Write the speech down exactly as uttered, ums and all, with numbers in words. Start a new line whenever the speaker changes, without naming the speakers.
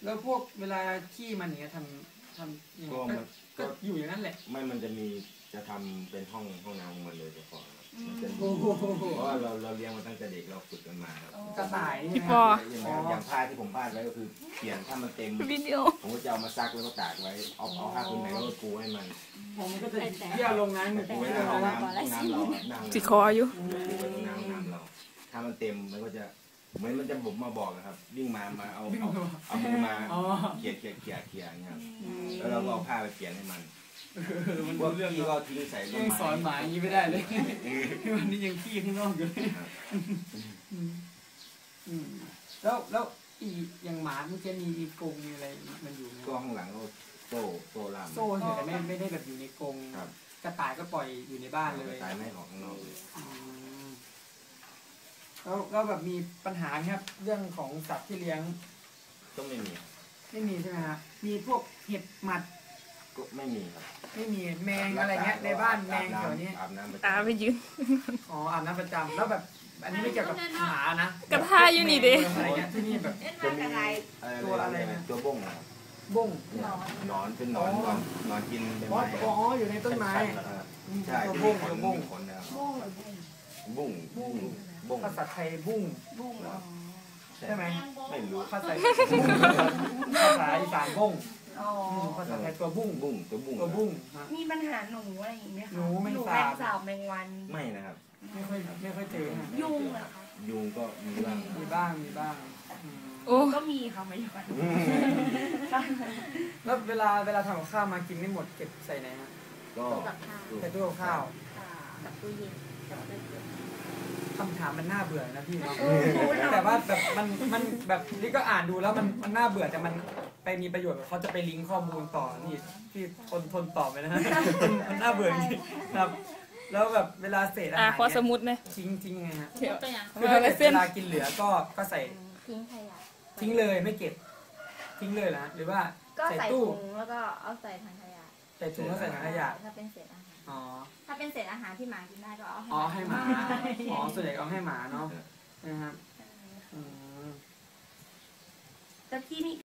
แล้วพวกเวลาขี้มันเนี้ยทำทำยังไง
ก็
ก็
มัน
ก็
ก็
อยู่อย่างนั้นแหละ
ไม่มันจะมีจะทำเป็นห้องห้องน้ำของมันเลยเฉพาะครับมันจะ
โอ้โห
เพราะว่าเราเราเลี้ยงมาตั้งแต่เด็กเราฝึกกันมาครับ
กระต่ายนี่
พี่
นะ
ปอ
อย่างอย่างอย่างผ้าที่ผมพาดไว้ก็คือเปลี่ยนถ้ามันเต็ม
วิดีโอ
ผมก็จะเอามาซักแล้วก็ตากไว้เอาเอาผ้าผืนไหนก็ปูให้มัน
ผมก็จะเที่ยวลงนั้น
ปูไว้ในห้องน้ำห้องน้ำเราอะนั่ง
สิคออยู่
ปูไว้ตรงน้ำห้องน้ำเรา ถ้ามันเต็มมันก็จะเหมือนมันจะบุกมาบอกนะครับวิ่งมามาเอาเอาเอามือมา
อ๋อ
เขี่ยเขี่ยเขี่ยเขี่ยอย่างเงี้ยครับ
อืม
แล้วเราก็เอาผ้าไปเปลี่ยนให้มัน
เออมัน
พวก
เรื่อง
พี่ก็ทิ้งใส่ต้น
ยัง
ไม้
สอนหมาอย่างนี้ไม่ได้เลยวันนี้ยังขี้ข้างนอกอยู่เลย
ครับ
อืมอืมแล้วแล้วอีอย่างหมาเมื่อกี้มีมีกรงมีอะไรมันอยู่ไหม
ก็ข้างหลังก็โซ่โซ่ล่าม
โซ่เฉยแต่ไม่ไม่ได้แบบอยู่ในกรง
ครับ
กระต่ายก็ปล่อยอยู่ในบ้านเลย
ตายไม่ออกข้างนอกเลย
อืมแล้วแล้วแบบมีปัญหาไหมครับ เรื่องของสัตว์ที่เลี้ยง
ก็ไม่มี
ไม่มีใช่ไหมครับมีพวกเห็บหมัด
ก็ไม่มีครับ
ไม่มีแมงอะไรเงี้ยในบ้านแมงแถวนี้
อาบน้ำประจำ
ตาไปยืน
อ๋ออาบน้ำประจำแล้วแบบ อันนี้ไม่เกี่ยวกับหมานะ
กระทะอยู่นี่ดิ
อะไรเงี้ยที่นี่แบบ
จะมีตัวอะไรนะตัวบ้งนะครับ
บุ้ง
เนี่ยหนอนเป็นหนอนหนอนหนอนกินใบ
อ๋อ
ไม้
อ๋ออยู่ในต้นไม้
ชั้ๆนะครับใช่
ตัว
ที่
บุ้
มี
ง
ข
ตั
น
วบุ้ง
มีขนนะครับ
บุ้งหรือบุ้ง
บุ้งบุ้งบุ้ง
ภาษาไทยบุ้ง
บุ้งอ๋อ
ใช่ไหม
ไม่รู้
ภาษาภาษาอีสานบุ้ง
อ๋อ
อืมภาษาไทยตัวบุ้ง
บุ้งตัวบุ้ง
ตัวบุ้งฮะ
มีปัญหาหนูอะไรอย่างเงี้ยคะ
หนูแมง
หนู
สาบ
แมงสาบแมงวัน
ไม่นะครับ
ไม่ค่อยไม่ค่อยเจอฮะ
ยุงเหรอคะ
ยุงก็มีบ้าง
มีบ้างมีบ้างอืม
โอ้
ก็มีค่ะไม่วัน
อืม
แล้วเวลาเวลาทำกับข้าวมากินไม่หมดเก็บใส่ไหนฮะ
ก็
กับข้าว
ใส่ตู้กับข้าว
ค่ะ
กับตู้เย็นกับตู้เย็น
คำถามมันน่าเบื่อนะพี่เนาะ
เออหนูถาม
แต่ว่าแบบมันมันแบบนี่ก็อ่านดูแล้วมันมันน่าเบื่อแต่มันไปมีประโยชน์เขาจะไปลิงก์ข้อมูลต่อนี่ที่ทนทนตอบไปนะฮะมันมันน่าเบื่อจริงๆครับ แล้วแบบเวลาเศษอา
อ่ะ
หาร
ขอส
เนี่ย
มุดหน่อย
ทิ้งทิ้งไงฮะ
เดี๋ยว
ตัวอย่าง
คือถ้าเกิดเวลากินเหลือก็ก็ใส่
ทิ้งขยะ
ทิ้งเลยไม่เก็บ ทิ้งเลยนะหรือว่า
ก็
ใส่
ใส่
ตู้
ถุงแล้วก็เอาใส่ถังขยะ
ใส่ถุงแล้วใส่ถังขยะ
ถ้าเป็นเศษอาหาร
อ๋อ
ถ้าเป็นเศษอาหารที่หมากินได้ก็เอาให้
อ๋อให้หมาอ๋อส่วนใหญ่เอาให้หมาเนาะนะครับอืม
แต่พี่มี